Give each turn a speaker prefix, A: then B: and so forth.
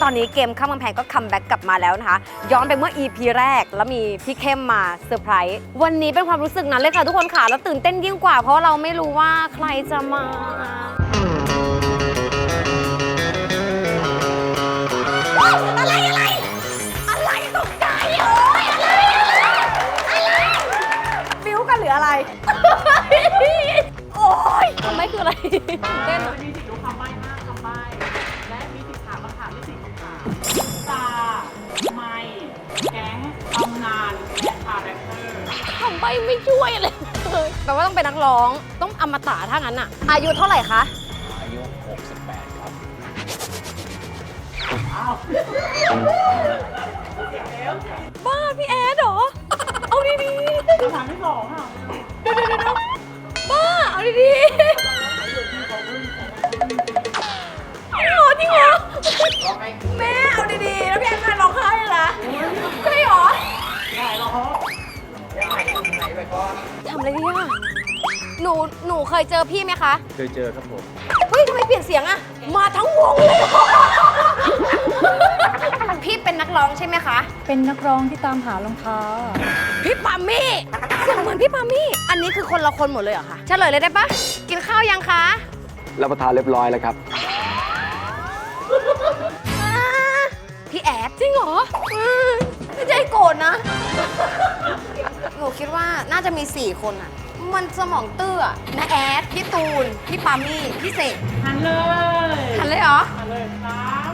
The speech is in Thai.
A: อนนี้เกมข้ามกำแพงก็คัมแบ็กกลับมาแล้วนะคะย้อนไปเมื่อ EP แรกแล้วมีพี่เข้มมาเซอร์ไพรส์วันนี้เป็นความรู้สึกนั้นเลยค่ะทุกคนค่ะแล้วตื่นเต้นยิ่งกว่าเพราะเราไม่รู้ว่าใครจะมาอะไรตกใจโอ้ยอะไรฟิวกันหรืออะไรโอ้ยไม่คืออะไรเต้น
B: มีสิทธิ์รู้คำใบ้5คำใบ้และมีสิทธิ์ถามคำถามที่4คำถามตาไม่แก๊งตำนานและคาแรคเตอร์
A: ทำใบไม่ช่วยเลยแปลว่าต้องเป็นนักร้องต้องอมตะถ้างั้นอะอายุเท่าไหร่คะ
C: อายุ 68 ครับ
B: อ้าว
A: บ้าพี่แอดเหรอเอาดี
B: คำถามที่2ค่ะ
A: ๆเดี๋ยวบ้าเอาดีๆจริงเหรอแม่เอาดีๆแล้วพี่แอดมาร้องไห้เลยนะใช่เหรอ
B: ได้แล้วครับ
A: ทำอะไรดีอะหนูเคยเจอพี่ไหมคะ
C: เคยเจอครับผม
A: เฮ้ยทำไมเปลี่ยนเสียงอะมาทั้งวงเลยพี่เป็นนักร้องใช่ไหมคะ
D: เป็นนักร้องที่ตามหารองเท้า
A: พี่ปามี่เสียงเหมือนพี่ปามี่อันนี้คือคนละคนหมดเลยเหรอคะเฉลยเลยได้ปะกินข้าวยังคะ
C: รับประทานเรียบร้อยแล้วครับ
A: พี่แอดจริงเหรอไม่ใจโกรธนะหนูคิดว่าน่าจะมี4คนอะมันสมองตื้ออะนะแอดพี่ตูนพี่ปามี่พี่เสก
B: หันเลย
A: หันเลยเหรอ
B: หันเลยซ้าย